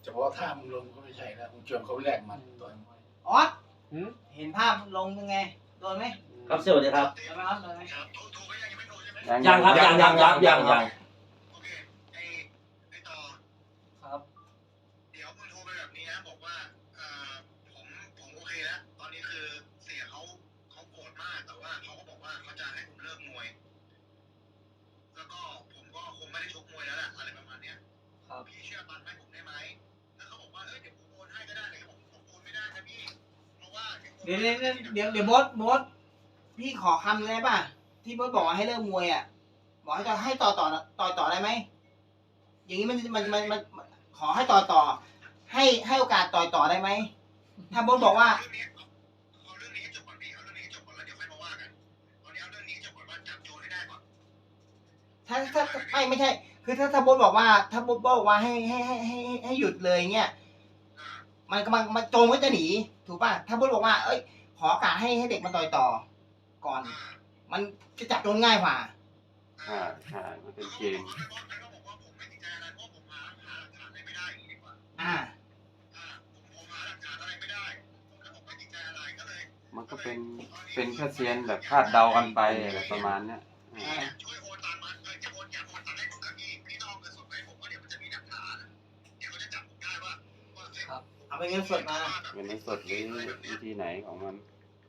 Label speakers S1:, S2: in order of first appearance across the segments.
S1: เฉพาะท่ามึงลงก็ไม่ใช่แล้วมึงชวนเขาแลกมันตัว
S2: ออสเห็นภาพลงยังไงโดนไหม
S3: ครับสวัสดีครับ
S2: โดนไหมครับโดนไหม
S3: ยังครับยัง
S4: โอเคไอ้ต่อ
S2: ครับ
S4: เดี๋ยวมึงโทรไปแบบนี้นะบอกว่าผมโอเคแล้วตอนนี้คือเสียเขาโกรธมากแต่ว่าเขาก็บอกว่าเขาจะให้ผมเลิกมวยแล้วก็ผมก็คงไม่ได้ชกมวยแล้วแหละอะไรประมาณเนี้ย
S2: ครับ
S4: พี่เชื่อปันให้ผมได้ไหมแล้วเขาบอกว่าเดี๋ยวผมโอนให้ก็ได้เลยผมโอนไม่ได้นะพี่เพราะว่า
S2: เดี๋ยวโบสพี่ขอคำได้ป่ะที่โบสบอกว่าให้เลิกมวยอ่ะบอกให้ต่อได้ไหมอย่างนี้มันขอให้ต่อให้โอกาสต่อได้ไหมถ้าโบสบอกว่า
S4: เอาเรื่องนี้ให้จบก่อนพี่เอาเรื่องนี้ให้จบก่อนแล้วเดี๋ยวค่อยมาว่ากันตอนนี้เอาเรื่องนี้ให้จบก่อนว่าจับโจรให้ได้ก่อน
S2: ถ้าไม่ใช่ คือถ้าโบสบอกว่าถ้าโบสบอกว่าให้หยุดเลยเงี้ยมันโจรก็จะหนีถูกป่ะถ้าโบสบอกว่าเอ้ยขอโอกาสให้เด็กมันต่อก่อน มันจะจับโจรง่ายกว่า
S5: ใช่มันเป็นเกม
S4: เขาบอกว่าผมไม่ติดใจอะไรเพราะผมหาหลักฐานอะไรไม่ได้อย่างนี้ดีกว่า ผมหาหลักฐานอะไรไม่ได้ผมเลยบอกไม่ติดใจอะไรก็เลย
S5: มันก็เป็นแค่เซียนแบบคาดเดากันไปอะไรประมาณเนี้ย
S4: ช่วยโอนตังค์มาจะโอนอยากโอนตังค์ให้ผมกับพี่ต้องเอาเงินสดไปผมว่าเดี๋ยวมันจะมีหลักฐานเดี๋ยวเขาจะจับผมได้ว่า
S2: ครับ เอาไปเงินสดมา
S5: เป็นในสดหรือวิธีไหนของมัน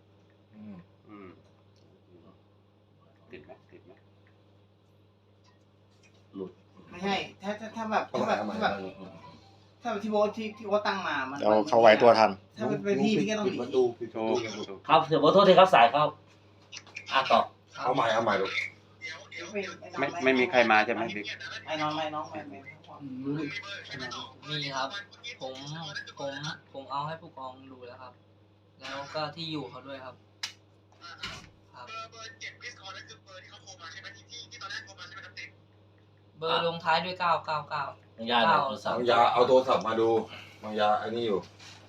S5: ติดไหม
S2: ไม่ใช่ ถ้าแบบที่โบทที่โบทตั้งมามัน
S6: เราเข้าไว้ตัวทัน
S2: ถ้าเป็นพี่ก็ต้องหนี
S3: ครับเดี๋ยวขอโทษทีครับสายเข้าต่อ
S6: เอาใหม่ลูก
S5: ไม่มีใครมาใช่ไหมบิ๊ก
S2: ไม่น้องไม่
S7: มีครับ ผมเอาให้ผู้กองดูแล้วครับ แล้วก็ที่อยู่เขาด้วยครับ ครับ
S4: เบอร์7พิสคอร์นั่นคือเบอร์ที่เขาโทรมาใช่ไหมที่ตอนแรกโทรมาใช่ไหมครับติ๊ก
S7: เบอร์ลงท้ายด้วย999
S3: ยา
S7: 9
S6: บางยาเอาโทรศัพท์มาดูบางยาอันนี้อยู่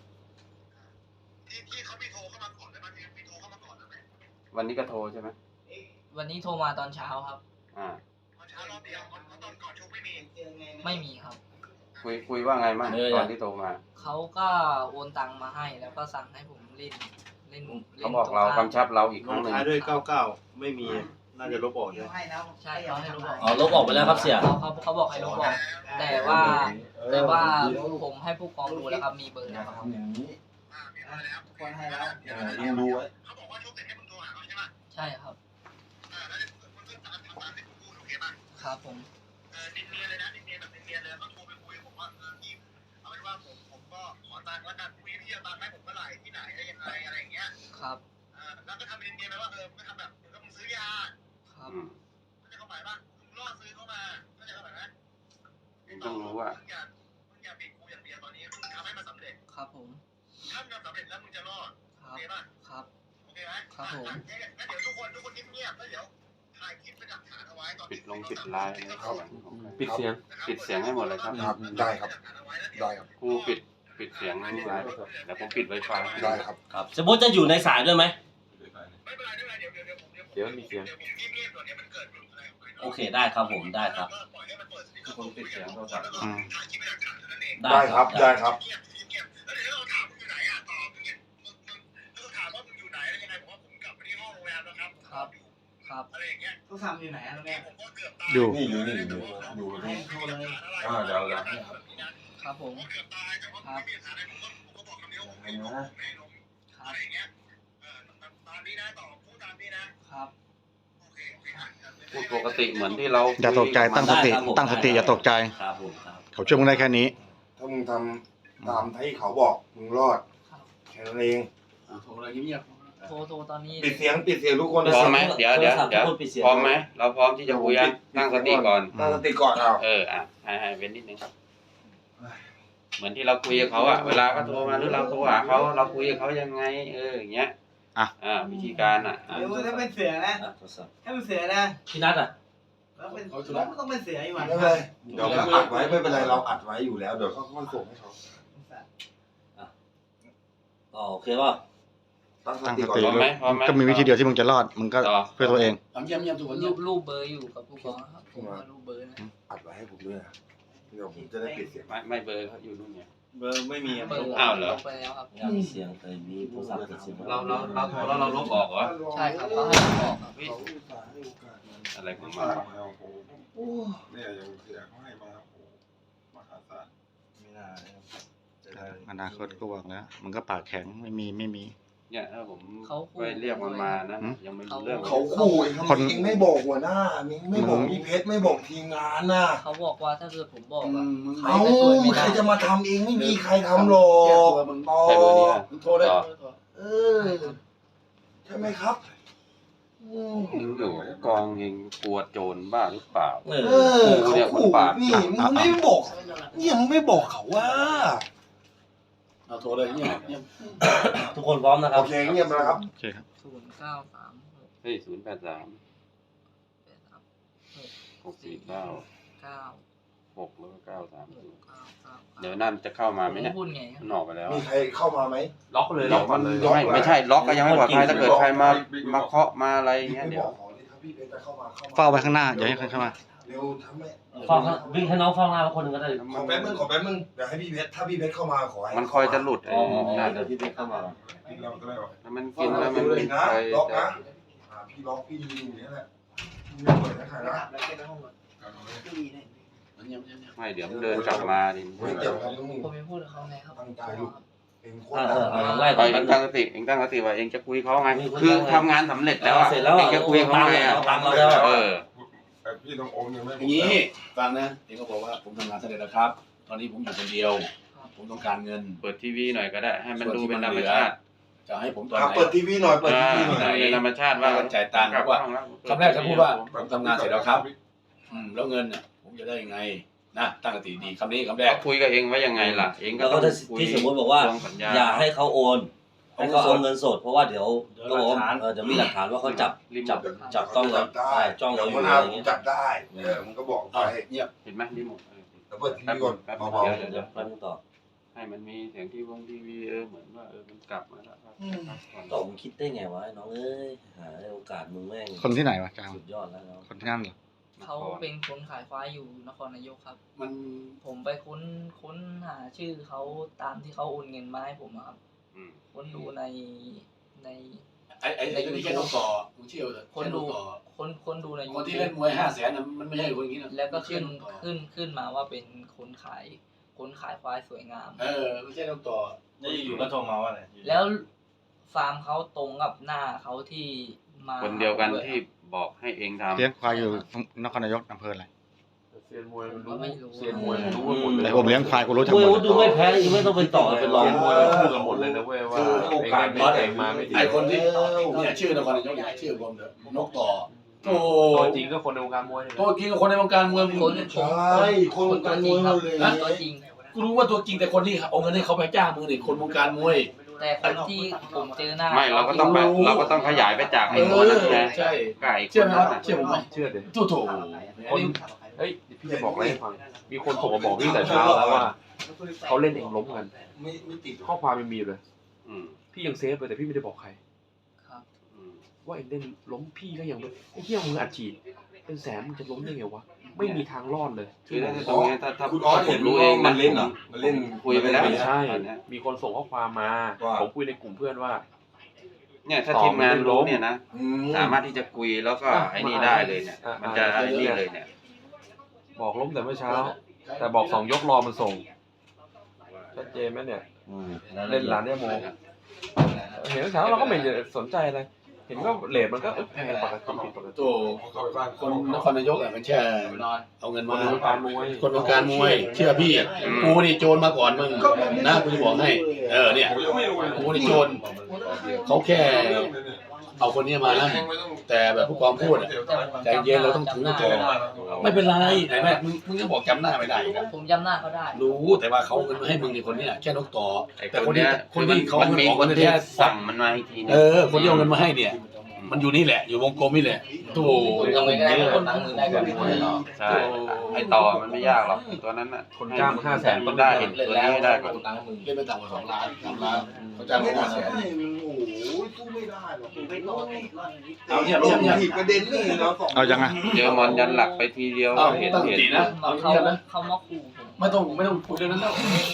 S4: ที่เขาไม่โทรเข้ามาก่อนแต่มันมีโทรเข้ามาก่อนไหม
S5: วันนี้ก็โทรใช่ไหม
S7: วันนี้โทรมาตอนเช้าครับ
S4: ตอนเช้ารอบเดียวตอนก่อนชกไม่มี
S7: ไม่มีครับ
S5: คุยว่าไงมั่งตอนที่โทรมา
S7: เขาก็โอนตังมาให้แล้วก็สั่งให้ผมเล่น
S5: เขาบอกเรากำชับเราอีกค
S8: ล
S5: รั้ง
S8: ง
S5: หนึ่ง
S8: ท้ายด้วย99ไม่มีน่าจะลบออกใช่ไหม
S2: ให้แล้ว
S7: ใช่เขาให้ลบออก
S3: ลบออกไปแล้วครับเสีย
S7: เขาบอกให้ลบออกแต่ว่าผมให้ผู้กองดูแล้วครับมีเบอร์แล้วครับ
S4: มีมาแล้ว
S2: คนให้แล้ว
S6: ยังดูไว้
S4: เขาบอกว่าชกเสร็จให้มึงโทรหาเขาใช่ไหม
S7: ใช่ครับ
S4: แล้วมึงก็ตามที่กูพูดโอเคป่ะ
S7: ครับผม
S4: เนียนเลยนะเนียนแบบเนียนเลยก็โทรไปคุยผมว่าพี่เอาเป็นว่าผมก็ขอตังค์แล้วกันพี่เอาตังค์ให้ผมเมื่อไหร่ที่ไหนอะไรยังไงอะไรอย่างเงี้ย
S7: ครับ
S4: แล้วก็ทำเนียนๆไปว่าไม่ทำแบบมึงซื้อยา
S7: ครับ
S4: เข้าใจความหมายป่ะมึงล่อซื้อเข้ามาเข้าใจความหมายไหม
S5: ต้องรู้ว่า
S4: มึงอย่าปิดกูอย่างเดียวตอนนี้มึงทำให้มันสำเร็จ
S7: ครับผม
S4: ถ้ามึงทำสำเร็จแล้วมึงจะรอด
S7: ครั
S4: โอบ เคป่ะ
S7: ครับ
S4: โอเคไหม
S7: ครับผม
S4: งั้นเดี๋ยวทุกคนเงียบๆแล้วเดี๋ยวถ่ายคลิปเป็นหลักฐานเอาไว้ตอน
S5: ปิดไลน์นะครับ
S6: ปิดเสียง
S5: ปิดเสียงให้หมดเลยครับ
S6: ครับได้ครับได้ครับ
S5: กูปิดเสียงไลน์ไปก่อนแล้วผมปิดไวไฟ
S6: ได้ครับ
S3: ครับสมมติจะอยู่ในสายด้วยไหม
S4: ไม่เป็นไรเดี๋ยวผม
S5: เดี๋ยวมีเสียง
S4: เดี๋ยวผมเงียบๆก่อนเนี่ยมันเกิดอะไรออกไป
S3: โอเคได้ครับผมได้ครับ
S4: ปล่อยให้มันเปิดสปีกเกอร์
S5: คนปิดเสียงโทรศัพท์
S4: แล้วก็ถ่ายคลิปเป็นหลักฐานเท่านั้นเอง
S6: ได้ครับได้ครับ
S4: เงียบแล้วเดี๋ยวเราถามมึงอยู่ไหนตอบมึงถ้าเราถามว่ามึงอยู่ไหนแล้วยังไงผมว่าผมกลับไปที่ห้องโรงแรมแล้วครับอยู่
S7: ครับ
S4: อะไรอย่างเงี้ย
S2: ต้องทำอยู่ไหนอะตรงเนี้ย
S4: ผมก็เกือบตาย
S6: อยู่
S4: นี่อยู่
S2: ให้โทรเลย
S6: เดี๋ยว
S7: ครับผม
S4: ผมก็เกือบตายแต่ว่าไม่มีหลักฐานอะไรผมก็บอกคำเดียวผมไม่ลง
S7: ครั
S4: อะ
S7: บ
S4: ไรอย่างเงี้ยตามนี้นะต่อพูดตามนี้นะครับ โอเค
S5: พูดปกติเหมือนที่เรา
S6: อย่าตกใจตั้งสติอย่าตกใจ
S3: ครับผมครับ
S6: เขาช่วยมึงได้แค่นี้ ถ้ามึงทำตามที่เขาบอกมึงรอดแค่นั้นเอง
S1: โทรอะไรเงียบ
S7: โทรตอนนี้
S6: ปิดเสียงทุกคน
S5: พร้อมไหมเดี๋ยว
S3: โทรศัพท์ทุกคนปิดเสียง
S5: พร้อมไหมเราพร้อมที่จะคุยยังตั้งสติก่อน
S6: ตั้งสติก่อนเอา
S5: ให้เว้นนิดนึงครับ เหมือนที่เราคุยกับเขาอะเวลาเขาโทรมาหรือเราโทรหาเขาเราคุยกับเขายังไงอย่างเงี้ยวิธีการอะ
S2: เดี๋ยวถ้าเป็นเสือนะ
S3: โทรศัพท์
S2: ถ้าเป็นเสือนะ
S3: พี่นัท
S2: แล้วเป็นต้องเป็นเสืออยู่หว่า
S6: ไม่เป็นไรเดี๋ยวเราอัดไว้ไม่เป็นไรเราอัดไว้อยู่แล้วเดี๋ยวเขาค่อยส่งให้เขา
S3: โอเคป่ะ
S6: ตั้งส
S5: ตั้ง
S6: ติ
S5: ส
S6: ก่อน
S5: ติ
S6: เลย
S5: ก็มีวิธีเดียวที่มึงจะรอดมึงก็เพื่อตัวเอง
S1: ๆทำเยี่ยมทุกคน
S7: รูปเบอร์อยู่กับผู้กองครับผมว่ารูปเบอร์นะ
S6: อัดไว้ให้ผมด้วยนะเดี๋ยวผมจะได้ปิดเสียง
S5: ไม่เบอร์เขาอยู่นู่นไง
S8: เบอร์ไม่มี
S7: เปิด
S5: อ้าวเหรอ
S7: ลบไปแล้วครับ
S3: มีเสียงมีโทรศัพท์ติดเสียง
S5: เราลบออกเหรอ
S7: ใช่ครับเขาให้ผมบอกครับ
S5: อะไรของมันวะ
S6: เนี่ยยังเสียเขาให้มาโอ้มหาศาล
S8: ไม่น่าจะได้
S9: อนาคตก็หวังแล้วมันก็ปากแข็งไม่มี
S5: เนี่ยถ้าผมไปเรียกมันมานะยังไม่รู้เรื่อง
S6: เขาขู่เองทำไมเองไม่บอกหัวหน้าเองไม่บอกพี่เพชรไม่บอกทีมงานน่ะ
S7: เขาบอกว่าถ้าเกิดผมบอกอะ
S6: เอ้าใครจะมาทำเองไม่มีใครทำหรอก
S5: ใช่เบอร์นี้อะ
S1: มึงโทรได้
S6: เออใช่ไหมครับ
S5: อยู่กองเองกลัวโจรบ้าหรือเปล่า
S6: เออเขาขู่นี่มึงไม่บอกเนี่ยมึงไม่บอกเขาว่า
S1: เอาโทรเลยเนี่ย
S3: ทุกคนพร้อมนะครั
S6: โอบ เคเงียบแล้วครับ
S9: โอเคครับ
S7: 0936
S5: เฮ้ย083 649 6แล้วก็930เดี๋ยวนั่นจะเข้ามาไหมเนี่ย
S7: พูดไงครับ
S5: มันออกไปแล้ว
S6: มีใครเข้ามาไหม
S8: ล็อกเลย
S5: ล็อกมันไม่ใช่ล็อกก็ยังไม่ปลอดภัยถ้าเกิดใครมาเคาะมาอะไรอย่างเงี้ยเดี๋ยว
S6: พี่เพชรจะเข้ามา
S9: เฝ้าไว้ข้างหน้าอย่าให้ใครเข้ามา
S6: เร็วทำไม
S3: ฟังวิ่งให้น้องฟังหน้าคนหนึ่งก็ได้
S6: ขอแป๊บนึงเดี๋ยวให้พี่เพชรถ้าพี่เพชรเข้ามาขอให้
S5: มันคอยจะหลุดไอ้นั่น
S3: เดี๋ยวพี่ไปเข้ามา
S5: ถ้ามันกินแล้วมัน
S6: เลย
S5: มี
S6: นะ
S5: ใคร
S6: ล็อก
S5: จะ
S6: นะพี่ล็อกพี่ยืนอยู่นี่แหละไม่เปิดนะใครนะ
S5: ไม่เดี๋ยวมันเดินกลับมาดิ
S6: เฮ้ยเดี๋ยวครับมึง
S7: ผมยังพูดกับเขาไงครับ
S6: ตั้งใจลูกเองโคต
S3: ไล่
S5: ไป
S3: ไป
S5: เองตั้งสติว่าเองจะคุยเขาไงคือทำงานสำเร็จแล้วอะ
S3: เสร็จแล้ว
S5: เองจะคุยเขาไงอะ
S3: ตังเราแล้ว
S5: เออ
S6: พี่ต้องอมยังไม่
S1: อย่างนี้ฟังนะเองก็บอกว่าผมทำงานสำเร็จแล้วครับ ตอนนี้ผมอยู่คนเดียว ผมต้องการเงิน
S5: เปิดทีวีหน่อยก็ได้ให้มันดูเป็นธรรมชาติ
S1: จะให้ผมตอนไหน
S6: เปิดทีวีหน่อยเปิดทีวีหน่
S5: ไหน
S6: อย
S5: เป็นธรรมชาติว่า
S1: จ่ายตังค์
S5: กลับ
S1: ว่า
S5: ห้องแล้ว
S1: คำแรกจะพูดว่าผมทำงานเสร็จแล้วครับ แล้วเงินน่ะผมจะได้ยังไงนะตั้งสติดีคำนี้คำแรก
S5: เขาคุยกับเองว่ายังไงล่ะเองก็
S3: แล้ว
S5: ต้
S3: ก็
S5: องคุย
S3: ที่สมมติบอกว่า
S5: ลงสัญญา
S3: อย่าให้เขาโอนให้เขาเอาเงินสดเพราะว่าเดี๋ยวก็บอกว่าเดี๋ยวมีหลักฐานว่าเขาจับต้องเราจ้องเราอยู่อะไรอย่างเงี้ย
S6: จับได้มึงก็บอกไป
S1: เงียบ
S5: เห็นไหมรีโมท
S6: แล้วเปิดทีวีก่อน
S5: แป๊บ
S6: เบา
S5: เดี๋ยว
S3: แป๊บนึงต่อ
S5: ให้มันมีเสียงทีวีเหมือนว่ามันกลับมาแล้วครับ
S3: ต่อมึงคิดได้ไงวะน้องเอ้ยหาโอกาสมึงแม่ง
S9: คนที่ไหนวะจาง
S3: สุดยอดแล้วน้อง
S9: คนที่นั่นเหรอ
S7: เขาเป็นคนขายควายอยู่นครนายกครับ
S1: มัน
S7: ผมไปค้นหาชื่อเขาตามที่เขาโอนเงินมาให้ผมอะครับ
S5: อืม
S7: ค้นดูใน
S1: ไอ้ที่แค่ต้องต่อมึงเชื่อเถอะ
S7: ค้นดู
S1: ต่อ
S7: ค้นดูใน
S1: คนที่เล่นมวย500,000น่ะมันไม่ใช่คนอย่างนี้นะ
S7: แล้วก็
S1: เชื่อ
S7: ขึ้นมาว่าเป็นคนขายควายสวยงาม
S1: ไม่ใช่ต้องต่อ
S8: นี่อยู่ก็โทรมาว่าอะไร
S7: แล้วฟาร์มเขาตรงกับหน้าเขาที่มา
S5: คนเดียวกันที่บอกให้เองทำ
S9: เลี้ยงควายอยู่นครนายกอำเภออะไร
S8: เซียนมวยมัน
S7: ก็ไม่รู้
S8: เซียนมวยมันรู้หมดเลย
S9: แต่ผมเลี้ยงควายกูรู้ทั้ง
S3: ม
S9: ห
S3: วย
S9: ม
S3: วุ
S9: ด
S3: ฒิดูไม่แพ้ยังไม่ต้องไปต่อเป็นรอง
S8: เซียนมวยมันพูดกันหมดเลยนะเว้ยว่าเองได้ไม่เองมาไม่ดี
S1: ไอ้คนที่เนี่ยชื่อนครนายกเนี่ยชื่อรวมเถอะนกต่อโอ้
S8: ตัวจริงก็คนในวงการมวยนี่แหละ
S1: ตัวจริงกับคนในวงการมวยมึง
S7: คน
S6: ใช่คนวงการมวยหมดเลย
S7: ตัวจริง
S1: กูรู้ว่าตัวจริงแต่คนที่เอาเงินให้เขาไปจ้างมึงนี่คนวงการมวย
S7: แต่คนที่ผมเจอหน้า
S5: ไม่เราก็ต้องขยายไปจากไอ้ตัวนั้นไง
S1: ใช่
S5: ไก่
S1: เชื่อไหมครับเชื่อผมไหม
S8: เชื่อเด็
S1: ถูก
S8: คนเฮ้ยพี่จะบอกอะไรให้ฟังมีคนโทรมาบอกพี่แต่เช้าแล้วว่าเขาเล่นเองล้มกัน
S6: ไม่ติด
S8: ข้อความมันมีเลย
S5: อืม
S8: พี่ยังเซฟเลยแต่พี่ไม่ได้บอกใคร
S7: ครับ
S5: อืม
S8: ว่าเองเล่นล้มพี่ก็ยังไอ้เหี้ยมึงอัดฉีดเป็นแสนมึงจะล้มได้ไงวะไม่มีทางรอดเลย
S5: คือถ้าตรงนี้ถ้า
S6: คุณออส
S5: ผ
S6: เห็
S5: ม
S6: น
S5: รู้เอง
S6: มันเล่นเหรอมันเล่น
S5: คุยไปแล้ว
S8: ไม่ใช่
S5: ตอนเนี้ย
S8: มีคนส่งข้อความมา
S6: ว่า
S8: ผมคุยในกลุ่มเพื่อนว่า
S5: เนี่ยถ้าทีมงานรู้เนี่ยนะสามารถที่จะคุยแล้วก็ไอ้นี่ได้เลยเนี่ยมันจะไอ้นี่เลยเนี่ย
S8: บอกล้มแต่เมื่อเช้า แต่บอกสองยกรอมันส่งชัดเจนไหมเนี่ย เล่นหลานเนี่ยโมเห็นเมื่อเช้าเราก็ไม่ได้สนใจอะไรเห็นก็เลทมันก็แพงปกติผิดปกติ
S1: ตัวคนนครนายกอ่ะมันแค่เอาเงิน
S8: ค
S1: มาน
S8: วงการมวย
S1: คนวงการมวยเชื่อพี่กูนี่โจรมาก่อนมึงนะกูจะบอกให้เนี่ยกูนี่โจรเขาแค่เอาคนนี้มานะแต่แบบผู้กองพูดอะใจเย็นเราต้องถือตัวไม่เป็นไรไหนแม่มึงก็บอกจำหน้าไม่ได้นะ
S7: ผมจำหน้าเขาได้
S1: รู้แต่ว่าเขาเอาเงินมาให้มึงในคนเนี้ยแค่นกต่อ
S5: ไอ้
S1: แต่
S5: ค
S1: คน น
S5: เนี้
S1: ที่
S5: ย
S1: คนที่เขา
S5: มัน
S1: เงิน
S5: มี
S1: ออก
S5: ค
S1: เงิ
S5: น
S1: น
S5: ที่
S1: แค่
S5: สั่งมันมาอีกทีนึง
S1: คนที่เอาเงินมาให้เนี่ย มันอยู่นี่แหละ อยู่วงกลมนี่แหละโธ่
S7: ผมทำไงก็ได้ให้คนหนังมือได้ก่อน
S5: ใช่ไอ้ต่อมันไม่ยากหรอกตัวนั้นน่ะ
S8: คนจ้าง500,000
S5: ต้องได้เห็นตัวนี้ให้ได้ก่อน
S1: เล่นไปต่ำกว่า2 ล้าน3 ล้านเขาจ้างมา
S6: ไม่ได้
S1: 500,000
S6: โอ้โหสู้ไม่ได้หรอก
S1: เอาเนี่ย
S6: ลง
S1: เนี่ย
S6: ผิดประเด็นนี่เราสอง
S9: เอายังไง
S5: เจอมอนยันหลักไปทีเดียว
S1: เอา
S5: เห็น
S1: ตั้งส
S5: เห็น
S1: ตินะเอา
S7: เขา
S1: เงียบนะ
S7: เขามาขู่ผม
S1: ไม่ต้องคุยเรื่องนั้นแล้ว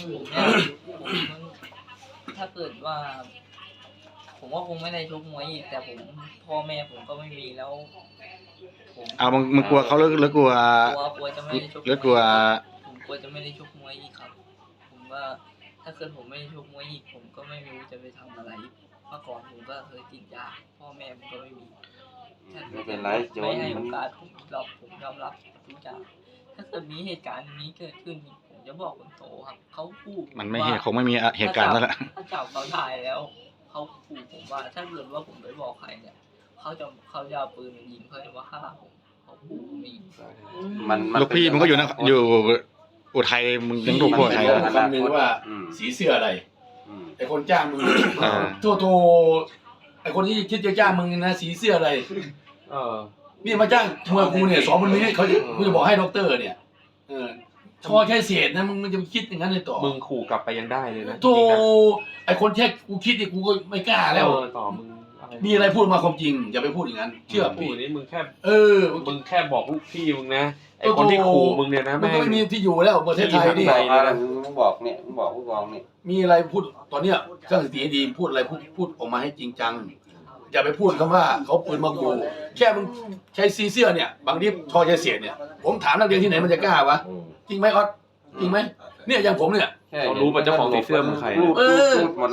S7: ถ้าเกิดว่า ผมว่าคงไม่ได้ชกมวยอีกแต่ผมพ่อแม่ผมก็ไม่มีแล้วผม
S9: เอามึงกลัวเขาหรือกลัว
S7: กลัวจะไม่ได้ชก
S9: หรือกลัว
S7: ผมกลัวจะไม่ได้ชกมวยอีกครับ ผมว่าถ้าเกิดผมไม่ได้ชกมวยอีกผมก็ไม่รู้จะไปทำอะไรเมื่อก่อนผมก็เคยติดยาพ่อแม่ผมก็ไม่มี
S5: ไม่เป็นไรโจ
S7: ไม่
S5: น
S7: ให้โอ
S5: มัน
S7: กาสผมยอมรับทุกอย่างถ้าเกิดมีเหตุการณ์นี้เกิดขึ้นอีกผมจะบอกคนโตครับเขาพูด
S9: มันไม่คงไม่มีเหตุการณ์แล้วแหละ
S7: ถ้าจับเขาถ่ายแล้วเขาขู่ผมว่าถ้าเกิดว่าผมไปบอกใครเนี่ยเขาจะเอาปืนมายิงเพื่อมาฆ่าผมเขาขู่ผมอีก
S5: มัน
S9: ลูกพี่มึงก็อยู่นะอยู่อุทัยมึงยังถูกพวกใคร
S1: มันคำนึงว่าสีเสื้ออะไร ไอคนจ้างมึงโทไอคนที่คิดจะจ้างมึงนะสีเสื้ออะไร นี่มาจ้างมวยกูเนี่ย2 วันนี้เขากูจะบอกให้ด็อกเตอร์เนี่ยชอแค่เศษนะมึงจะคิดอย่างนั้นเลยต่อ
S8: มึงขู่กลับไปยังได้เลยนะ
S1: โธ่ไอคนแค่กูคิดเนี่ยกูก็ไม่กล้าแล้ว
S8: ต่อมึง
S1: มีอะไรพูดมาความจริงอย่าไปพูดอย่างนั้นเชื่อ
S8: พี่
S1: พี่
S8: นี่มึงแค่
S1: มึง
S8: แค่บอกลูกพี่มึงนะไอคนที่ขู่มึงเนี่ยนะ
S1: มัน
S8: แม่
S1: ก็ไม่มีที่อยู่แล้วประเทศไทยนี่
S5: มึงบอกเนี่ยมึงบอกผู้กองเนี่ย
S1: มีอะไรพูดตอนเนี้ยตั้งสติให้ดีพูดอะไรพูดออกมาให้จริงจังอย่าไปพูดคำว่าเขาปืนมาขู่แค่มึงใช้ซีเสื้อเนี่ยบางทีชอใช้เสียดเนี่ยผมถามนักเรียนที่ไหนมันจะกล้าวะจริงไหมออสจริงไหมเนี่ยอย่างผมเนี่ย
S8: เขารู้ป่ะเจ้าของสีเสื้อมึงใคร
S5: รูดหมด